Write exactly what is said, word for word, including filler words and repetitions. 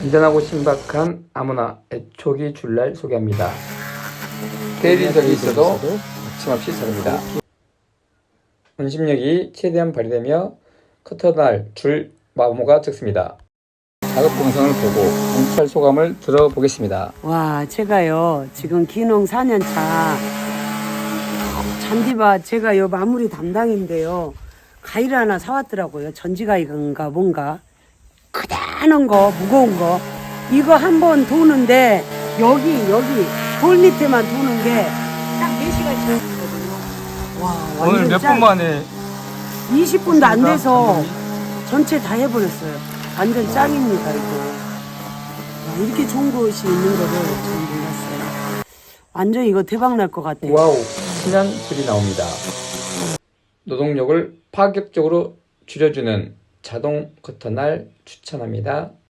안전하고 신박한 아무나 애초기 줄날 소개합니다. 대리석이 있어도 거침없이 자릅니다. 원심력이 최대한 발휘되며 커터날 줄 마모가 적습니다. 작업 공성을 보고 공찰 소감을 들어보겠습니다. 와, 제가요 지금 기농 사 년 차 잔디밭 제가 요 마무리 담당인데요. 가위를 하나 사왔더라고요. 전지가위인가 뭔가 크다란 거 무거운 거 이거 한 번 도는데 여기 여기 돌 밑에만 도는 게 딱 네 시간 지났거든요. 와, 오늘 몇 분 만에 이십 분도 안 돼서 전체 다 해버렸어요. 완전 짱입니다 이거. 와, 이렇게 좋은 곳이 있는 거를 잘 몰랐어요. 완전 이거 대박 날 것 같아요. 와우, 신한 소리 나옵니다. 노동력을 파격적으로 줄여주는 자동 커터날 추천합니다.